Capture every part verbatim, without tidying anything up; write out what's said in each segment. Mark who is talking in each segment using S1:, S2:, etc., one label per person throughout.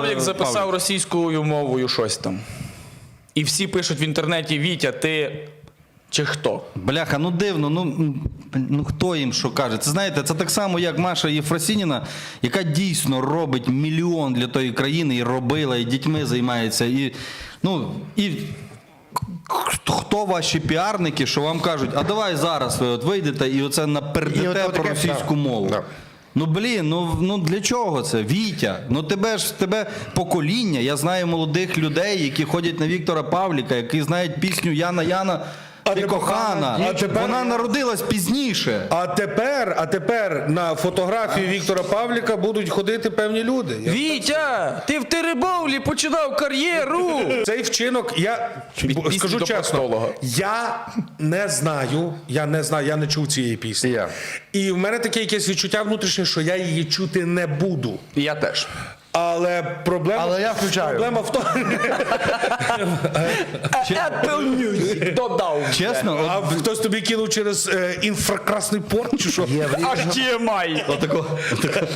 S1: Павлік записав
S2: Павлік.
S1: російською мовою щось там. І всі пишуть в інтернеті: Вітя, ти чи хто?
S2: Бляха, ну дивно, ну, ну хто їм що каже? Це, знаєте, це так само, як Маша Єфросініна, яка дійсно робить мільйон для тої країни, і робила, і дітьми займається, і, ну, і хто ваші піарники, що вам кажуть, а давай зараз ви от вийдете і оце напердете про російську мову.
S3: Да.
S2: Ну, блін, ну, ну для чого це? Вітя, ну тебе ж тебе покоління. Я знаю молодих людей, які ходять на Віктора Павліка, які знають пісню «Яна, Яна, ти кохана».
S4: А тепер-
S2: Вона народилась пізніше.
S4: А тепер, а тепер на фотографію Віктора Павліка будуть ходити певні люди. Я-
S1: Вітя, ти в Теребовлі починав кар'єру!
S4: Цей вчинок, я
S1: Від
S4: бо-
S1: пісні
S4: скажу
S1: до
S4: чесно,
S1: простолога.
S4: я не знаю, я не знаю, я не чув цієї пісні.
S3: Я.
S4: І в мене таке якесь відчуття внутрішнє, що я її чути не буду.
S1: І я теж.
S4: Але проблема,
S3: Але я включаю.
S4: проблема в тому,
S1: Apple Music додав.
S2: Чесно,
S4: а
S2: от,
S4: хтось тобі кинув через е, інфракрасний порт чи що?
S1: Аж ді ем ай.
S2: отако, отако.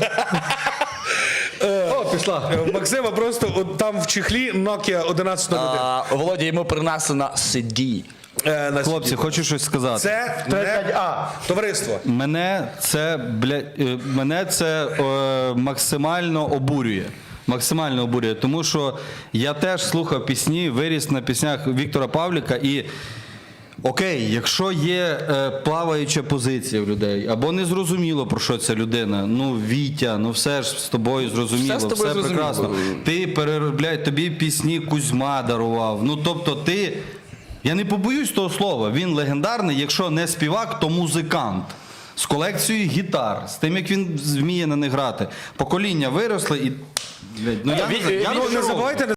S2: О, пішла.
S4: Е, Максима просто от там в чехлі Nokia одинадцять нуль один.
S1: А, Володя, йому принесена сі ді.
S4: Е, на
S2: Хлопці,
S4: сіді.
S2: хочу щось сказати.
S4: Це не товариство.
S2: Мене це, бля, е, мене це е, максимально обурює. Максимально обурює, тому що я теж слухав пісні, виріс на піснях Віктора Павліка і окей, якщо є е, плаваюча позиція в людей, або не зрозуміло, про що ця людина, ну, Вітя, ну все ж з тобою зрозуміло,
S1: Все
S2: все,
S1: з тобою зрозуміло.
S2: прекрасно. Ти переробляй, тобі пісні Кузьма дарував, ну тобто ти, я не побоюсь того слова, він легендарний, якщо не співак, то музикант. З колекцією гітар, з тим, як він вміє на них грати. Покоління виросли і... блядь, Ну, я,
S1: Ві-
S2: не- я
S1: Ві-
S2: не
S4: Не
S2: знаю.
S4: забувайте,